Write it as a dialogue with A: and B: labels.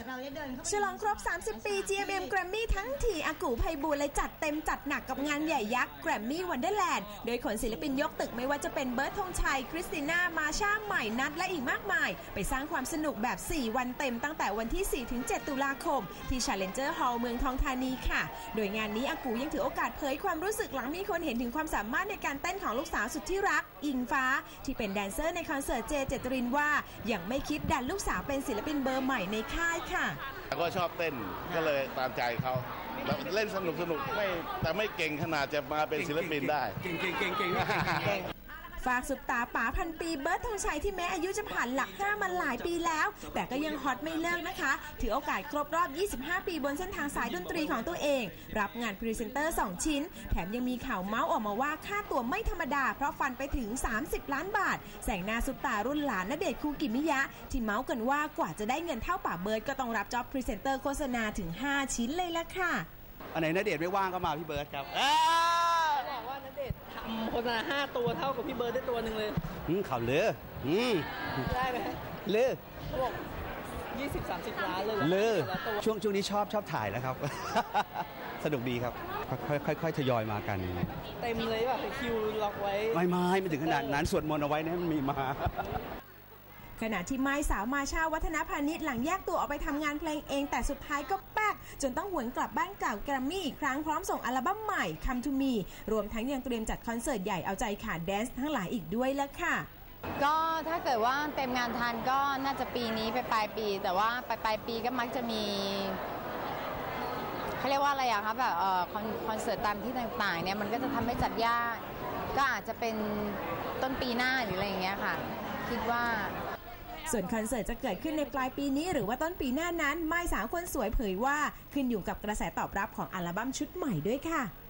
A: ฉลองครบ 30 ปี GMM Grammy ทั้งทีอากูไพบูลย์เลยจัดเต็มจัดหนักกับงานใหญ่ยักษ์ Grammy Wonderland โดยขนศิลปินยกตึกไม่ว่าจะเป็นเบิร์ดธงชัยคริสติน่ามาชาใหม่นัทและอีกมากมายไปสร้างความสนุกแบบ 4 วันเต็มตั้งแต่วันที่ 4-7 ตุลาคมที่ Challenger Hall เมืองทองธานีค่ะโดยงานนี้อากูยังถือโอกาสเผยความรู้สึกหลังมีคนเห็นถึงความสามารถในการเต้นของลูกสาวสุดที่รักอิงฟ้าที่เป็นแดนเซอร์ในคอนเสิร์ตเจเจตรินว่ายังไม่คิดดันลูกสาวเป็นศิลปินเบอร์ใหม่ในค่ายค่ะ
B: ก็ชอบเต้นก็เลยตามใจเขาเล่นสนุกแต่ไม่เก่งขนาดจะมาเป็นศิลปินได้
A: ฝากสุดตาป๋าพันปีเบิร์ดธงชัยที่แม้อายุจะผ่านหลัก5มาหลายปีแล้วแต่ก็ยังฮอตไม่เลิกนะคะถือโอกาสครบรอบ 25 ปีบนเส้นทางสายดนตรีของตัวเองรับงานพรีเซนเตอร์ 2 ชิ้นแถมยังมีข่าวเมาส์ออกมาว่าค่าตัวไม่ธรรมดาเพราะฟันไปถึง30 ล้านบาทแสงหน้าสุดตารุ่นหลานณเดชน์คูกิมิยะที่เมาส์กันว่ากว่าจะได้เงินเท่าป๋าเบิร์ดก็ต้องรับจ็อบพรีเซนเตอร์โฆษณาถึง5 ชิ้นเลยละค่ะ
C: อันไหนณเดชน์ไม่ว่างก็มาพี่เบิร์ดครับ
D: บอกว่าณเดชน์ทำโฆษณา5 ตัวเท่ากับพี่เบิร์ดได้ตัวหนึ่งเลย
C: ข่าวเลือ
D: ได้ไหม
C: เลือ
D: เขาบอก20-30 ล้านเลย
C: เลือช่วงนี้ชอบถ่ายแล้วครับสนุกดีครับค่อยทยอยมากัน
D: เต็มเลยแบบคิวล็อกไว้
C: ไม่ถึงขนาดนั้นสวดมนต์เอาไว้นะมันมีมา
A: ขณะที่ไม้สาวมาชาวัฒนพานิชหลังแยกตัวออกไปทำงานเพลงเองแต่สุดท้ายก็แป๊กจนต้องหวนกลับบ้านเก่าแกรมมี่อีกครั้งพร้อมส่งอัลบั้มใหม่ Come to Me รวมทั้งยังเตรียมจัดคอนเสิร์ตใหญ่เอาใจขาดแดนซ์ทั้งหลายอีกด้วยแล้วค่ะ
E: ก็ถ้าเกิดว่าเต็มงานทันก็น่าจะปีนี้ไปปลายปีแต่ว่าปลายปีก็มักจะมีเขาเรียกว่าอะไรอะคะแบบคอนเสิร์ตตามที่ต่างๆเนี่ยมันก็จะทำให้จัดยากก็อาจจะเป็นต้นปีหน้าหรืออะไรอย่างเงี้ยค่ะคิดว่า
A: ส่วนคอนเสิร์ตจะเกิดขึ้นในปลายปีนี้หรือว่าต้นปีหน้านั้นไม้สาวคนสวยเผยว่าขึ้นอยู่กับกระแสตอบรับของอัลบั้มชุดใหม่ด้วยค่ะ